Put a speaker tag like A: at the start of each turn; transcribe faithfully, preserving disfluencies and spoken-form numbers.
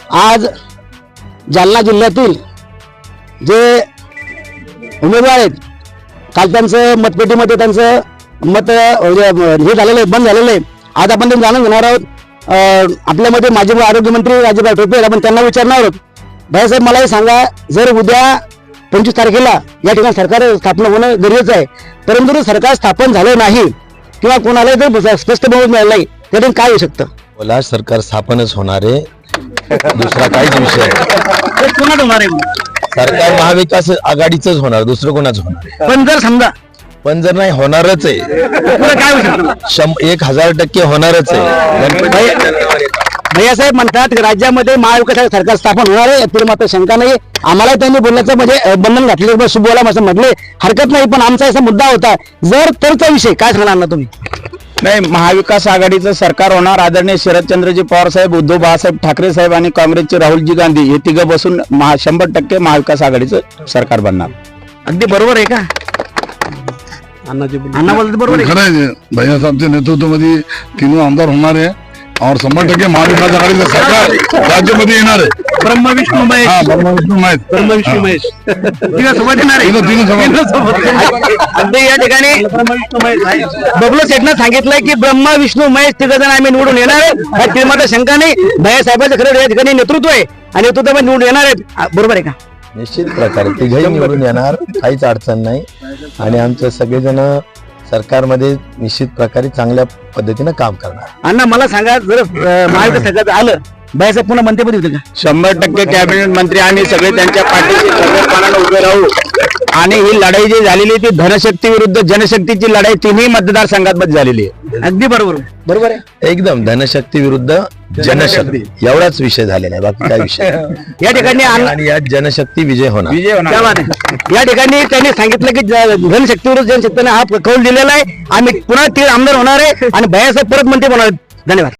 A: आज जालना जिल्ह्यातील जे उमेदवार आहेत, काल त्यांचं मतपेटीमध्ये त्यांचं मत हे झालेलं आहे, बंद झालेलं आहे. आज आपण ते जाणून घेणार आहोत. आपल्यामध्ये माजी आरोग्यमंत्री राजेभाई टोपे, आपण त्यांना विचारणार आहोत. भाईसाहेब, मला हे सांगा, जर उद्या पंचवीस तारखेला या ठिकाणी सरकार स्थापना होणं गरजेचं आहे, परंतु जर सरकार स्थापन झालं नाही किंवा कोणाला जर स्पष्ट बहुमत मिळालं नाही, त्यातून काय होऊ शकतं?
B: बोला, सरकार स्थापनच होणार आहे, दुसरा काहीच विषय नाही.
A: कोणाच होणार आहे?
B: सरकार महाविकास आघाडीचंच होणार, दुसरं कोणाच होणार.
A: पण जर समजा
B: पण जर नाही होणारच आहे,
A: काय होऊ शकतं?
B: शं- एक हजार टक्के होणारच आहे.
A: भैयासाहेब म्हणतात की राज्यामध्ये महाविकास सरकार स्थापन होणार आहे, यातील मात्र शंका नाही. आम्हाला त्यांनी बोलण्याचं म्हणजे बंधन घातले, बोला असं म्हटले, हरकत नाही. पण आमचा असा मुद्दा होता, जर तरचा विषय काय सांगणार ना तुम्ही?
C: नाही, महाविकास आघाडीचं सरकार होणार. आदरणीय शरदचंद्रजी पवार साहेब, उद्धव बाळासाहेब ठाकरे साहेब आणि काँग्रेसचे राहुलजी गांधी हे तिघं बसून महा शंभर टक्के महाविकास आघाडीचं सरकार बनणार.
A: अगदी बरोबर आहे का? अण्णा बोलत बरोबर आहे.
D: खरं आहे, भैया साहेबच्या नेतृत्वामध्ये तीन आमदार होणार आहे और शंभर टक्के महाविकास आघाडीचं सरकार राज्यामध्ये येणार आहे.
A: ब्रह्म विष्णू महेश,
D: हा, ब्रह्मा विष्णू महेश.
A: ब्रह्म विष्णू महेश तिघं सोबत येणार आहे.
D: तीन- तीन सोबत.
A: अगदी या ठिकाणी बबलू सेठनं सांगितलंय की ब्रह्मा विष्णू महेश तिघ जण आम्ही निवडून येणार आहे, या तीन शंका नाही. भैया साहेबांचं खरं या ठिकाणी नेतृत्व आहे आणि नेतृत्वामध्ये निवडून येणार आहेत. बरोबर आहे का?
B: निश्चित प्रकारे तिघही निवडून येणार, काहीच अडचण नाही. आणि आमचे सगळेजण सरकारमध्ये निश्चित प्रकारे चांगल्या पद्धतीनं काम करणार.
A: अण्णा, मला सांगा, जर अं, महाविकास सरकार आलं, भैयासाहेब पुन्हा मंत्रिपदी होते का?
C: शंभर टक्के कॅबिनेट मंत्री आणि सगळे त्यांच्या पाठीशी खंबीरपणाने उभे राहू. आणि ही लढाई जी झालेली ती धनशक्ती विरुद्ध जनशक्तीची लढाई तिन्ही मतदारसंघात मध्ये झालेली आहे.
A: अगदी बरोबर बरोबर आहे.
B: एकदम धनशक्ती विरुद्ध जनशक्ती एवढाच विषय झालेला आहे, बाकी काय विषय नाही.
A: या ठिकाणी अण्णा-
B: आणि यात जनशक्ती विजय होणार.
C: विजय होणार.
A: क्या बात आहे. या ठिकाणी त्यांनी सांगितलं की ज- धनशक्ती विरुद्ध जनशक्तीने हा कौल दिलेला आहे. आम्ही पुन्हा तीन आमदार होणार आहे आणि भैयासाहेब परत मंत्री होणार आहेत. धन्यवाद.